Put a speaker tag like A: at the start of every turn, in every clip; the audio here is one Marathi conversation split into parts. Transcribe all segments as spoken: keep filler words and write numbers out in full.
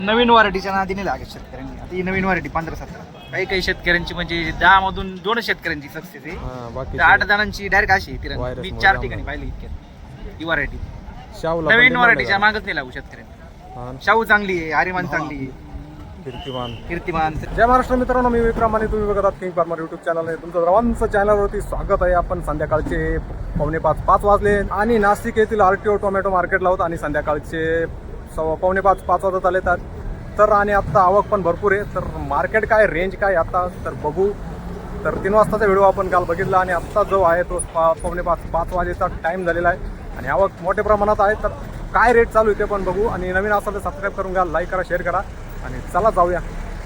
A: नवीन व्हरायटीच्या नादीने लागेल शेतकऱ्यांनी. आता ही नवीन व्हरायटी पंधरा सतरा काही काही शेतकऱ्यांची म्हणजे दहा मधून दोन शेतकऱ्यांची सक्सेस आहे.
B: हा, बाकी
A: तर आठ जणांची डायरेक्ट अशी आहे तिरंगी.
B: Virus
A: मी
B: मुळे
A: चार
B: जाम
A: ठिकाणी
B: झालं.
A: पाहिली इतक्यात ही व्हरायटी.
B: शाहूला पण
A: नवीन
B: demand
A: व्हरायटीच्या
B: आहे
A: मागच नाही लागू शेतकऱ्यांनी.
B: का? हा,
A: शाहू चांगली आहे, आर्यमान चांगली आहे,
B: कीर्तिमान.
A: कीर्तिमान.
B: जय महाराष्ट्र मित्रांनो, मी विक्रम आणि तुम्ही बघत आहात किंग फार्मर युट्यूब चॅनल आहे. तुमचं सर्वांचं चॅनलवरती स्वागत आहे. आपण संध्याकाळचे पावणे पाच पाच वाजले आणि नाशिक येथील आरटीओ टोमॅटो मार्केटला होत आणि संध्याकाळचे सव्वा पावणे पाच पाच वाजत आले तर तर आणि आत्ता आवक पण भरपूर आहे. तर मार्केट काय, रेंज काय आता तर बघू. तर तीन वाजताचा व्हिडिओ आपण काल बघितला आणि आत्ता जो आहे तो पा पावणे पाच पाच वाजेचा टाईम झालेला आहे आणि आवक मोठ्या प्रमाणात आहे. तर काय रेट चालू आहे ते पण बघू आणि नवीन असेल तर सबस्क्राईब करून घ्या, लाईक करा, शेअर करा आणि चला जाऊया.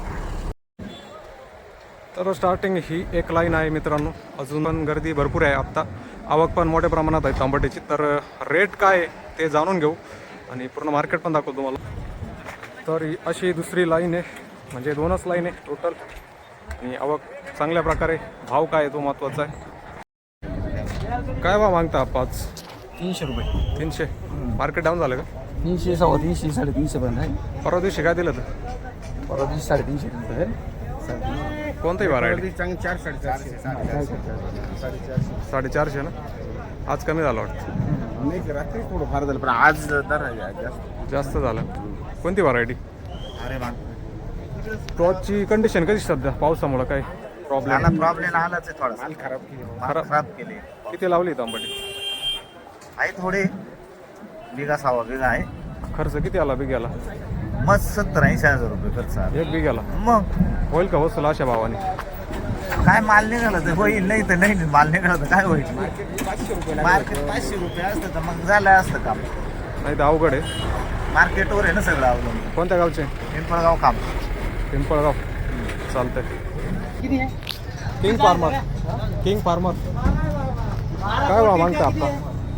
B: तर स्टार्टिंग ही एक लाईन आहे मित्रांनो, अजून पण गर्दी भरपूर आहे. आत्ता आवक पण मोठ्या प्रमाणात आहे तांबटीची. तर रेट काय ते जाणून घेऊ आणि पूर्ण मार्केट पण दाखवतो तुम्हाला. तर अशी दुसरी लाईन आहे, म्हणजे दोनच लाईन आहे टोटल आणि आवक चांगल्या प्रकारे. भाव काय आहे तो महत्त्वाचा आहे. काय भाव मागता पाच?
A: तीनशे रुपये.
B: तीनशे. मार्केट डाऊन झालं का?
A: तीनशे सव्वा तीनशे साडेतीनशे पर्यंत आहे.
B: परवा दिवशी काय दिलं तर?
A: परवा दिवशी साडेतीनशे रुपये.
B: कोणताही व्हरायटी?
A: चार साडेचारशे
B: साडेचारशे ना. आज कमी झालं वाटतं.
A: नाही, रात्री थोडं फार झालं पण आज दर आहे जास्त
B: जास्त झालं. कोणती व्हरायटी?
A: अरे वा,
B: प्लॉटची कंडिशन कशी सध्या पावसामुळं काय प्रॉब्लेम?
A: प्रॉब्लेम आलाच आहे. थोडा माल खराब
B: खराब.
A: खराब केले.
B: किती लावली तांबटी?
A: आहे थोडे बिघा सहा बिघा आहे.
B: खर्च किती आला बिघ्याला?
A: मग सत्तर ऐंशी हजार रुपये खर्च आला.
B: एक बिघ्याला
A: मग
B: होईल का वसूल अशा भावाने?
A: काय माल निघाला तर होईल, नाही तर नाही. माल निघाला तर काय होईल? मार्केट पाचशे रुपये असतं तर मग झालं असतं काम.
B: नाही तर अवघड आहे.
A: मार्केटवर आहे ना सगळं अवलंबून.
B: कोणत्या गावचे?
A: पिंपळगाव काम.
B: पिंपळगाव. चालतंय. King farmer. किंग फार्मर काय भाव मागता आपला?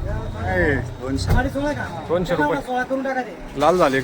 B: दोनशे रुपये. लाल झाली का?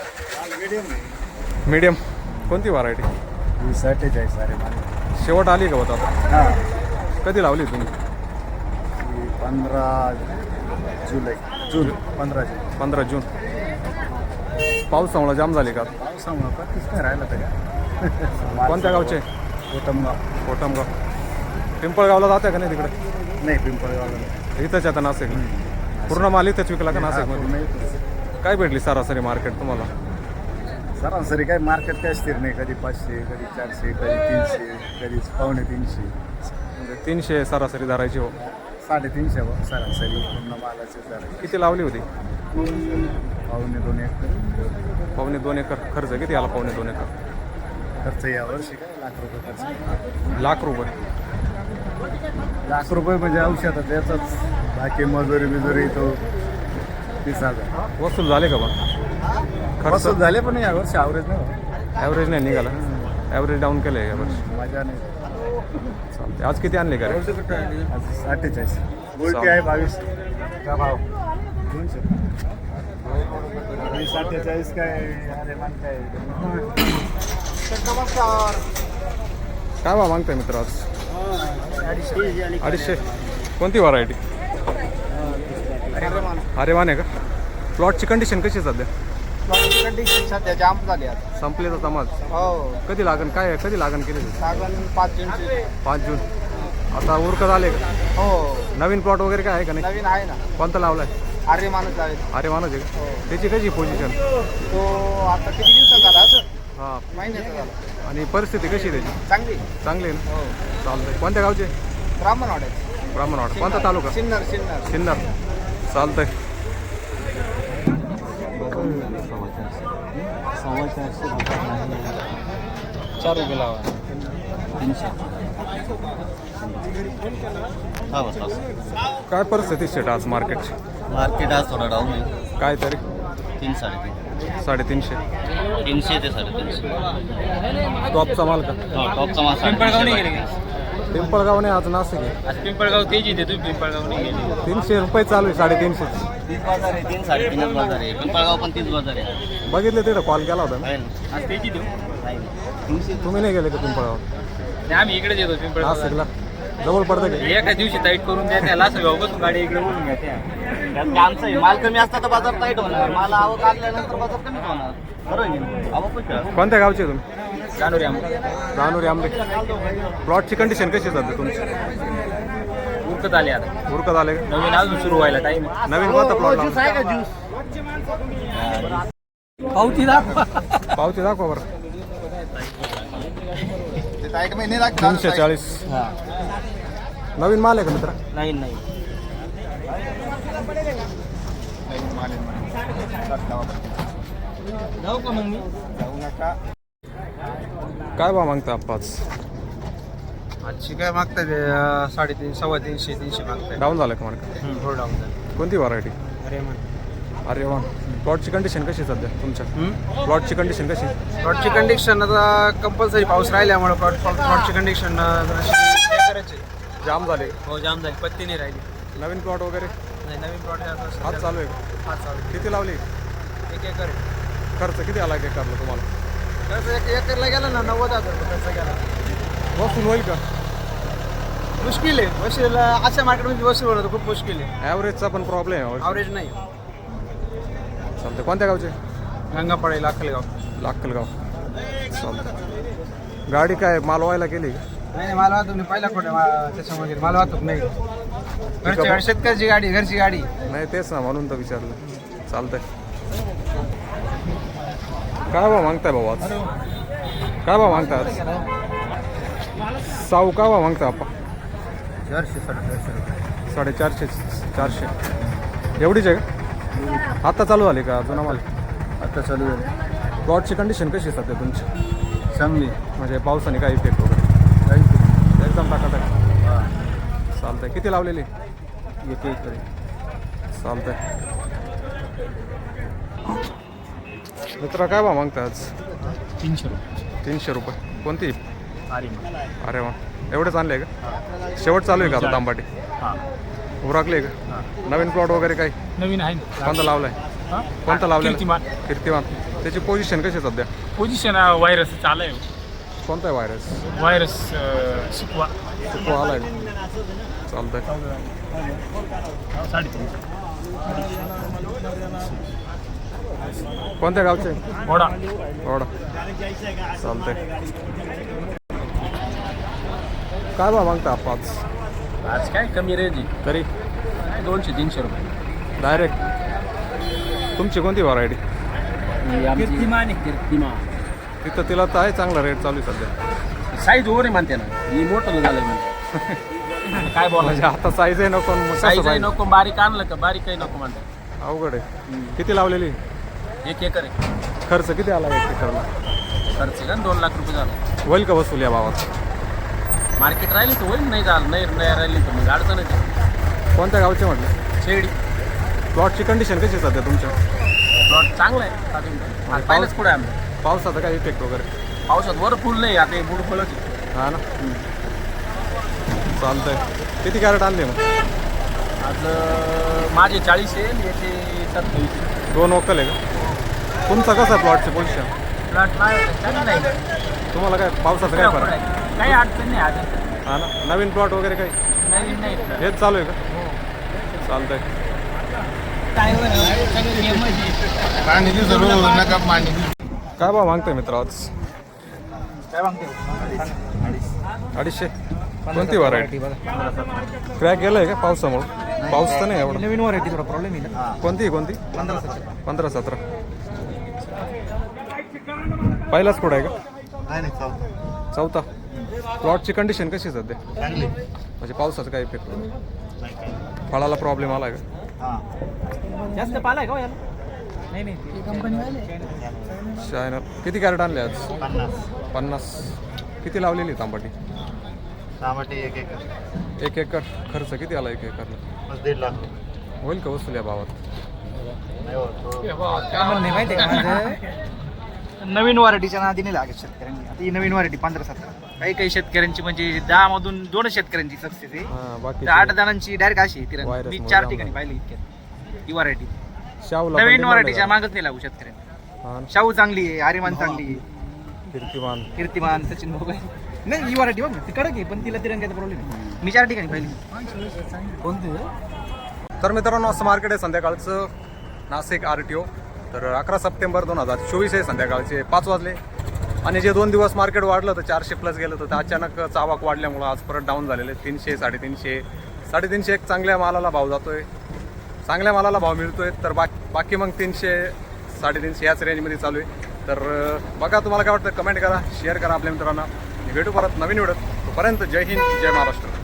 B: मीडियम. कोणती व्हरायटी?
A: सत्तेचाळीस. अरे
B: शेवट आली का होता आता?
A: हां,
B: कधी लावली तुम्ही?
A: पंधरा जुलै. जून पंधरा जून
B: पंधरा जून. पावसामुळे जाम झाली का?
A: पावसामुळं पत्तीच काय राहिलं तरी.
B: कोणत्या गावचे?
A: कोटमगाव.
B: कोटमगाव. पिंपळगावला जाते का नाही तिकडे?
A: नाही, पिंपळगावला.
B: इथंच आता नाशिक. पूर्ण माल इथंच विकला का नाशिकमध्ये?
A: नाही,
B: काय भेटली सरासरी मार्केट तुम्हाला?
A: सरासरी काय मार्केट काय स्थिर नाही. कधी पाचशे, कधी चारशे, कधी तीनशे, कधी पावणे तीनशे.
B: म्हणजे तीनशे सरासरी धरायची हो.
A: साडेतीनशे बघ सरासरी पूर्ण मालाचे धरायचे.
B: किती लावली होती?
A: पावणे दोन एकर.
B: पावणे दोन एकर. खर्च किती आला पावणे दोन एकर?
A: खर्च यावर्षी काय लाख रुपये खर्च.
B: लाख रुपये.
A: लाख रुपये म्हणजे औषधात याचाच. बाकी मजुरी बिजुरी तो तीस हजार
B: वसूल झाले का पण? खर्च
A: वसूल झाले पण यावर्षी ॲव्हरेज नाही.
B: ॲव्हरेज नाही निघाला. ॲव्हरेज डाऊन केलं आहे यावर्षी.
A: मजा नाही.
B: चालते. आज किती आणले का रे?
A: अठ्ठेचाळीस. गोल्टी आहे बावीस. का भाव? दोनशे. अठ्ठेचाळीस काय? अरे मान काय?
B: काय भाव मागताय मित्र आज?
A: अडीचशे.
B: अडीचशे. कोणती व्हरायटी? अरे मान आहे का? प्लॉटची कंडिशन कशी आहे सध्या?
A: कंडिशन सध्या जाम झाली आता.
B: संपले तर समाज.
A: हो,
B: कधी लागन काय कधी लागन केले?
A: सागण पाच जूनची.
B: पाच जून. आता उरकत आले का?
A: हो,
B: नवीन प्लॉट वगैरे काय आहे का नाही?
A: नवीन आहे ना.
B: कोणता लावलाय?
A: अरे माणूस जावेल.
B: अरे मानच आहे का? त्याची कशी पोझिशन?
A: तो आता किती दिवसात झाला असं?
B: हां.
A: महिन्याचा झाला.
B: आणि परिस्थिती कशी आहे त्याची?
A: चांगली.
B: चांगली आहे ना?
A: हो,
B: चालतंय. कोणत्या गावचे?
A: ब्राह्मणवाड्यात.
B: ब्राह्मणवाड. कोणता तालुका?
A: सिन्नर. सिन्नर.
B: सिन्नर. चालतंय.
A: सव्वा चारशे चार रुपये लावा. तीनशे.
B: काय परिस्थिती शेट आज मार्केट?
C: मार्केट आज थोडा डाऊन आहे.
B: काय तरी
C: तीन साडेतीन
B: साडेतीनशे.
C: तीनशे ते साडेतीनशे.
B: टॉपचा माल का?
C: हा, टॉपचा माल
D: पिंपळगाव नाही
C: साडेतीनशे.
D: गेले
B: पिंपळगाव नाही, आज नाशिक आहे.
D: आज पिंपळगाव तेजी देतो. पिंपळगाव नाही गेले.
B: तीनशे रुपये चालू आहे. साडेतीनशे.
C: तीस बाजार आहे. तीन साडेतीनच बाजार आहे. पिंपळगाव पण तीस बाजार आहे.
B: बघितले तिथं कॉल केला होता ना?
C: आहे ना?
D: आज तेजी देऊ.
C: तीनशे.
B: तुम्ही नाही गेले का पिंपळगाव?
D: नाही, आम्ही इकडेच येतो पिंपळगाव.
B: नाशिकला जवळ पडतं का?
D: एका दिवशी टाईट करून द्या त्याला सगळं बसून गाडी इकडे बोलून घ्या त्या.
C: त्यात आमचं आहे. माल कमी असता तर बाजार टाईट होणार. माल आवक आल्यानंतर बाजार कमीच होणार.
B: कोणत्या गावचे तुम्ही?
D: जानोरी आम
B: रानोरी आंबे. प्लॉटची कंडिशन कशी आहे सध्या तुमची?
D: उरकत आले आता
B: उरकत आले का?
D: नवीन अजून सुरू व्हायला टाइम
B: नवीन कोणता प्लॉट लावला?
D: पावती दाखवा
B: पावती दाखवा बरं. तीनशे चाळीस नवीन माल आहे का मित्र?
C: नाही नाही
D: जाऊ का मग मी
B: काय भाव मागता पाच?
E: आजची काय मागताय ते, अं, साडेतीन सव्वा तीनशे तीनशे मागताय.
B: डाऊन झालं का मार्केट?
E: थोडं डाऊन झालं.
B: कोणती व्हरायटी?
E: अरे मग
B: अरे वा. प्लॉटची कंडिशन कशी आहे सध्या तुमच्या? प्लॉटची कंडिशन कशी?
E: प्लॉटची कंडिशन आता कंपल्सरी पाऊस राहिल्यामुळे प्लॉट प्लॉटची कंडिशन करायची.
B: जाम झाले.
E: हो जाम झाली, पत्ती नाही राहिली.
B: नवीन प्लॉट वगैरे
E: नाही नवीन प्लॉट
B: हात चालू आहे का?
E: हात चालू
B: किती लावली?
E: एक एकर आहे.
B: खर्च किती आला एक एकरला तुम्हाला?
E: खर्च एक एकरला गेला ना नव्वद हजार रुपये खर्च गेला.
B: वसूल होईल का?
E: मुश्किल आहे वसूल, अशा मार्केटमध्ये वसूल होणं खूप मुश्किल आहे.
B: ॲव्हरेजचा पण प्रॉब्लेम आहे.
E: ॲव्हरेज नाही.
B: चालतं. कोणत्या गावचे?
E: गंगापाळे लाखलगाव.
B: लाखलगाव. चालतं. गाडी काय माल व्हायला गेली का?
E: नाही नाही माल वाहतूक नाही, पहिला खोटे त्याच्यामुळे माल वाहतूक नाही. घरची गाडी, शेतकऱ्याची गाडी, घरची गाडी.
B: नाही तेच ना, म्हणून तर विचारलं. चालतंय. काय भाव मागताय भाऊ आज? काय भाव मागताय आज? साऊ काय भाव मागताय आपण?
E: चारशे साडेचारशे रुपये.
B: साडेचारशे चारशे एवढीच आहे का? आता चालू झाली का अजून आम्हाला?
E: आता चालू आहे.
B: प्लॉटची कंडिशन कशी आहे सध्या तुमची?
E: चांगली.
B: म्हणजे पावसाने काय इफेक्ट वगैरे? एकदम टाकाटाक. चालतंय. किती लावलेली?
E: एक एक
B: चालतंय. मित्र काय भाव मागता आज?
D: तीनशे रुपये
B: तीनशे रुपये. कोणती?
D: अरे
B: अरे वा. एवढेच आणले का? शेवट चालू आहे का आता तांबाटी?
D: हां
B: उरकले का? नवीन प्लॉट वगैरे काही?
D: नवीन आहे ना
B: कोणता लावलाय?
D: हां?
B: कोणता लावलेला?
D: कीर्तिमान.
B: कीर्तिमान. त्याची पोझिशन कशी आहे सध्या?
D: पोझिशन व्हायरस चालू आहे.
B: कोणता आहे व्हायरस?
D: व्हायरस शिकवा
B: सुको आलाय. चालतंय.
D: साडेतीन
B: कोणत्या गावचे?
D: घोडा
B: थोडा. चालतंय. काय भाव मागता पाच?
D: आज काय कमी रेंज
B: तरी
D: दोनशे तीनशे रुपये
B: डायरेक्ट. तुमची कोणती व्हरायटी?
D: कीर्तिमान आहे कीर्तिमान.
B: तिथं तिला तर आहे चांगला रेट चालू आहे सध्या.
D: साईज ओव्हर आहे म्हणते ना, ही मोठं झालं म्हणते. काय
B: म्हणजे
D: बोलायचं?
B: आता साईज आहे नको मग कसं
D: साईज
B: पाहिजे?
D: नको, बारीक आणलं का बारीक काही नको म्हणतात.
B: अवघड आहे. किती लावलेली?
D: एक एकर आहे.
B: खर्च किती आला एक एकरला?
D: खर्च का दोन लाख रुपये झाला.
B: होईल का वसूल या भावात?
D: मार्केट राहिली तर होईल, नाही झालं नाही नाही राहिली तर मग अडचणच आहे.
B: कोणत्या गावचे म्हटलं?
D: शेडी.
B: प्लॉटची कंडिशन कशी आहे सध्या तुमच्या?
D: प्लॉट चांगला आहे. अजून आज पाहिलंच पुढे आम्ही.
B: पावसाचा काय इफेक्ट वगैरे?
D: पावसात वर फुल नाही, आता हे बुड फुलच आहे.
B: हा ना. चालतंय. किती कॅरेट आणले मग?
D: आज अं, माझे चाळीस आहे, याचे सत्तावीस.
B: दोन वक्कल आहे का? तुमचं कसं आहे प्लॉटची पोझिशन?
D: प्लॉट चांगला आहे.
B: तुम्हाला काय पावसाचं काय फरक?
D: काही अडचण नाही आज.
B: हा ना. नवीन प्लॉट वगैरे काही?
D: नवीन नाही.
B: हेच चालू आहे का? चालतंय. काय भाव मागतोय मित्र आज?
E: काय मागते?
B: अडीचशे. कोणती व्हरायटी? क्रॅक गेलाय का पावसामुळे? पाऊस तर नाही एवढा.
E: नवीन व्हरायटी थोडा प्रॉब्लेम आहे ना.
B: कोणती आहे कोणती?
E: पंधरा सतरा.
B: पंधरा सतरा. पहिलाच पुढं आहे का?
E: नाही नाही चालतं.
B: चौथा. प्लॉटची कंडिशन कशी आहे सध्या?
E: चांगली.
B: म्हणजे पावसाचा काय इफेक्ट? फळाला प्रॉब्लेम आला का?
E: हां.
D: जास्त पाला आहे का याला? नाही नाही कंपनी.
B: शायनर. किती कॅरेट आणले आज?
E: पन्नास.
B: पन्नास. किती लावलेली तांबाटी?
E: टमाटे एक एकर.
B: एक एकर. खर्च किती आला एक एकरला?
E: बस दीड लाख.
B: होईल का वसूल या भावात?
E: नाही हो, तो-
D: काय म्हणणे माहिती आहे का माझं?
E: नवीन व्हरायटीच्या नादी नाही लागत शेतकऱ्यांनी. आता ही नवीन व्हरायटी पंधरा सतरा. काही काही शेतकऱ्यांची म्हणजे दहा मधून दोन शेतकऱ्यांची सक्सेस आहे.
B: हां. बाकी
E: तर आठ जणांची डायरेक्ट अशी आहे तिरंगी.
B: Virus
E: मी
B: मुळे
E: चार
B: जाम
E: ठिकाणी
B: झालं.
E: पाहिली इतक्यात ही व्हरायटी.
B: शाहूला पण
E: नवीन
B: demand
E: व्हरायटीच्या
B: आहे
E: मागच नाही लागू शेतकऱ्यांनी.
B: का? हां ना.
E: शाहू चांगली आहे, आर्यमान चांगली आहे,
B: कीर्तिमान.
E: कीर्तिमान, सचिन भाऊ नाही ही व्हरायटी बघ ना, ती कडक आहे पण तिला तिरंग्याचा प्रॉब्लेम आहे. मी चार ठिकाणी पाहिली.
B: कोणती? तर मित्रांनो असं मार्केट आहे संध्याकाळचं नाशिक आर टी ओ. तर अकरा सप्टेंबर दोन हजार चोवीस आहे, संध्याकाळचे पाच वाजले. आणि जे दोन दिवस मार्केट वाढलं तर चारशे प्लस गेलं तर अचानक चावाक वाढल्यामुळं आज परत डाऊन झालेले तीनशे साडेतीनशे साडेतीनशे एक चांगल्या मालाला भाव जातोय, चांगल्या मालाला भाव मिळतोय. तर बाकी बाकी मग तीनशे साडेतीनशे याच रेंजमध्ये चालू आहे. तर बघा तुम्हाला काय वाटतं, कमेंट करा, शेअर करा आपल्या मित्रांना. भेटू परत नवीन व्हिडिओत. तोपर्यंत जय हिंद, जय महाराष्ट्र.